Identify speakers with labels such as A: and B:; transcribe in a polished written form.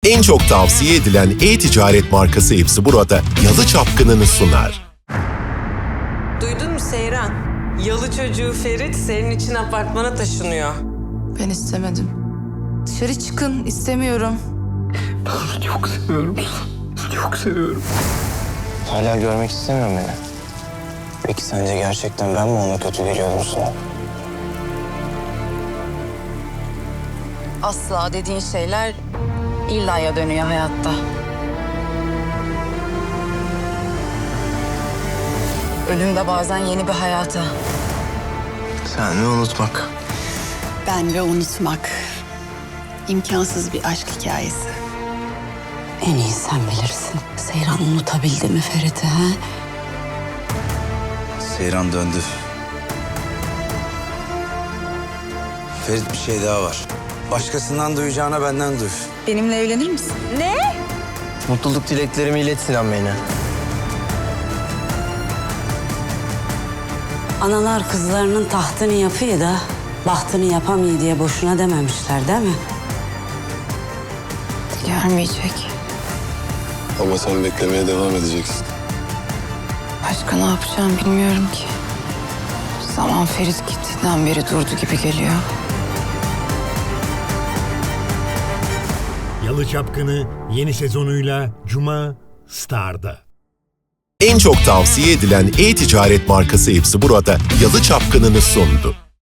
A: En çok tavsiye edilen e-ticaret markası Hepsi Burada Yalı Çapkını'nı sunar.
B: Duydun mu Seyran? Yalı çocuğu Ferit senin için apartmana taşınıyor.
C: Ben istemedim. Dışarı çıkın, istemiyorum.
D: Ben onu çok seviyorum. Çok seviyorum.
E: Hala görmek istemiyorum beni. Peki sence gerçekten ben mi ona kötü geliyordum sana?
C: Asla dediğin şeyler illaya dönüyor hayatta. Ölüm de bazen yeni bir hayata.
E: Sen ve unutmak.
F: Ben ve unutmak. İmkansız bir aşk hikayesi.
G: En iyi sen bilirsin. Seyran unutabildi mi Ferit'i ha?
H: Seyran döndü. Ferit bir şey daha var. Başkasından duyacağına benden duy.
C: Benimle evlenir misin?
E: Mutluluk dileklerimi ilet Sinan Bey'ine.
G: Analar kızlarının tahtını yapıyor da bahtını yapamıyor diye boşuna dememişler değil mi?
C: Gelmeyecek.
I: Ama sen beklemeye devam edeceksin.
C: Başka ne yapacağım bilmiyorum ki. Zaman Ferit gittiğinden beri durdu gibi geliyor.
J: Yalı Çapkını yeni sezonuyla Cuma Star'da.
A: En çok tavsiye edilen e-ticaret markası Hepsi Burada Yalı Çapkını'nı sundu.